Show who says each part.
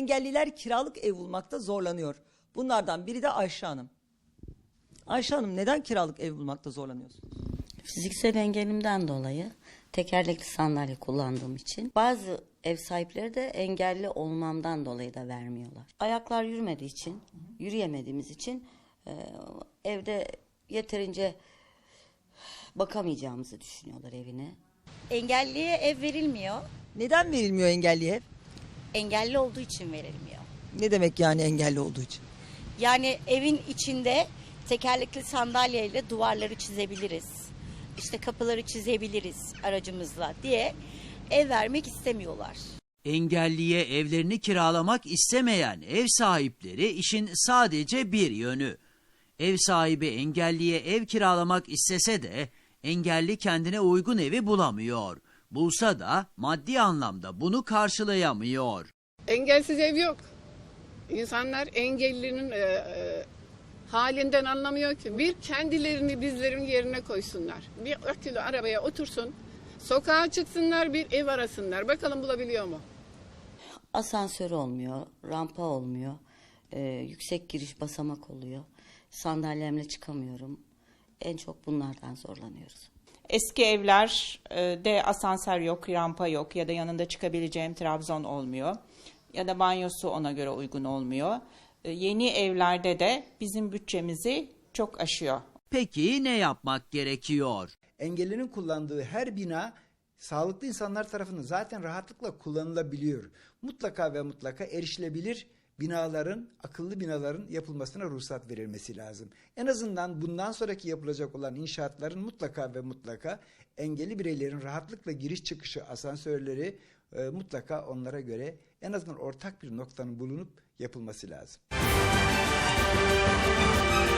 Speaker 1: engelliler kiralık ev bulmakta zorlanıyor. Bunlardan biri de Ayşe Hanım. Ayşe Hanım, neden kiralık ev bulmakta zorlanıyorsunuz?
Speaker 2: Fiziksel engelimden dolayı tekerlekli sandalye kullandığım için bazı ev sahipleri de engelli olmamdan dolayı da vermiyorlar. Ayaklar yürümediği için, yürüyemediğimiz için evde yeterince bakamayacağımızı düşünüyorlar evine.
Speaker 3: Engelliye ev verilmiyor.
Speaker 1: Neden verilmiyor engelliye ev?
Speaker 3: Engelli olduğu için verilmiyor.
Speaker 1: Ne demek yani engelli olduğu için?
Speaker 3: Yani evin içinde tekerlekli sandalyeyle duvarları çizebiliriz. İşte kapıları çizebiliriz aracımızla diye ev vermek istemiyorlar.
Speaker 4: Engelliye evlerini kiralamak istemeyen ev sahipleri işin sadece bir yönü. Ev sahibi engelliye ev kiralamak istese de engelli kendine uygun evi bulamıyor. Bulsa da maddi anlamda bunu karşılayamıyor.
Speaker 5: Engelsiz ev yok. İnsanlar engellinin halinden anlamıyor ki. Bir kendilerini bizlerin yerine koysunlar. Bir akülü arabaya otursun, sokağa çıksınlar, bir ev arasınlar. Bakalım bulabiliyor mu?
Speaker 2: Asansör olmuyor, rampa olmuyor, yüksek giriş basamak oluyor. Sandalyemle çıkamıyorum. En çok bunlardan zorlanıyoruz.
Speaker 6: Eski evlerde asansör yok, rampa yok ya da yanında çıkabileceğim trabzon olmuyor. Ya da banyosu ona göre uygun olmuyor. Yeni evlerde de bizim bütçemizi çok aşıyor.
Speaker 4: Peki ne yapmak gerekiyor?
Speaker 7: Engellinin kullandığı her bina sağlıklı insanlar tarafından zaten rahatlıkla kullanılabiliyor. Mutlaka ve mutlaka erişilebilir binaların, akıllı binaların yapılmasına ruhsat verilmesi lazım. En azından bundan sonraki yapılacak olan inşaatların mutlaka ve mutlaka engelli bireylerin rahatlıkla giriş çıkışı asansörleri mutlaka onlara göre en azından ortak bir noktanın bulunup yapılması lazım.